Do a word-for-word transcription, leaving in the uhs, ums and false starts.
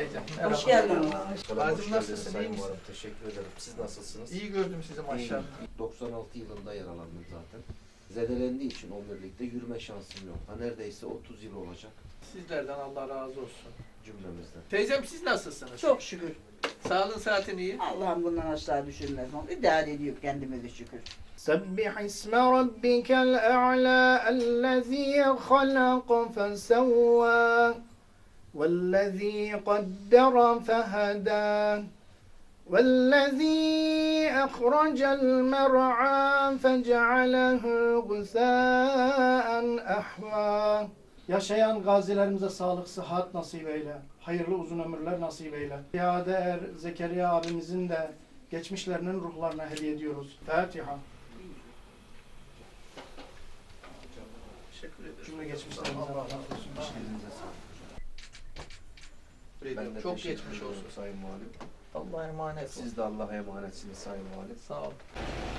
teyzem. Hoş Merhaba. geldin. Bazım nasılsın, iyi Sayın misin? Muharrem. Teşekkür ederim. Siz nasılsınız? İyi gördüm sizi maşallah. İyiyim. doksan altı yılında yaralandım zaten. Zedelendiği için omurilikte yürüme şansım yok. Ha, neredeyse otuz yıl olacak Sizlerden Allah razı olsun. cümlemizden. Teyzem siz nasılsınız? Çok şükür. Sağlığın saatin iyi. Allah'ım bundan aşağı düşürmez. İdare ediyor kendimizi şükür. سبح اسم ربك الأعلى الذي خلق فسوى والذي قدر فهدى والذي أخرج المرعى فجعله غثاء أحوى. Yaşayan gazilerimize sağlık, sıhhat nasip eyle. Hayırlı uzun ömürler nasip eyle. Ziyade Er Zekeriya abimizin de geçmişlerinin ruhlarına hediye ediyoruz. Fatiha. Teşekkür ederim. Cümle geçmişlerimize Allah Allah razı razı olsun. olsun. Elinize sağlık hocam. Ben de Çok teşekkür geçmiş ediyorum olsun. Sayın Muharrem. Allah'a emanet olun. Siz de Allah'a emanetsiniz Sayın Muharrem. Sağ olun.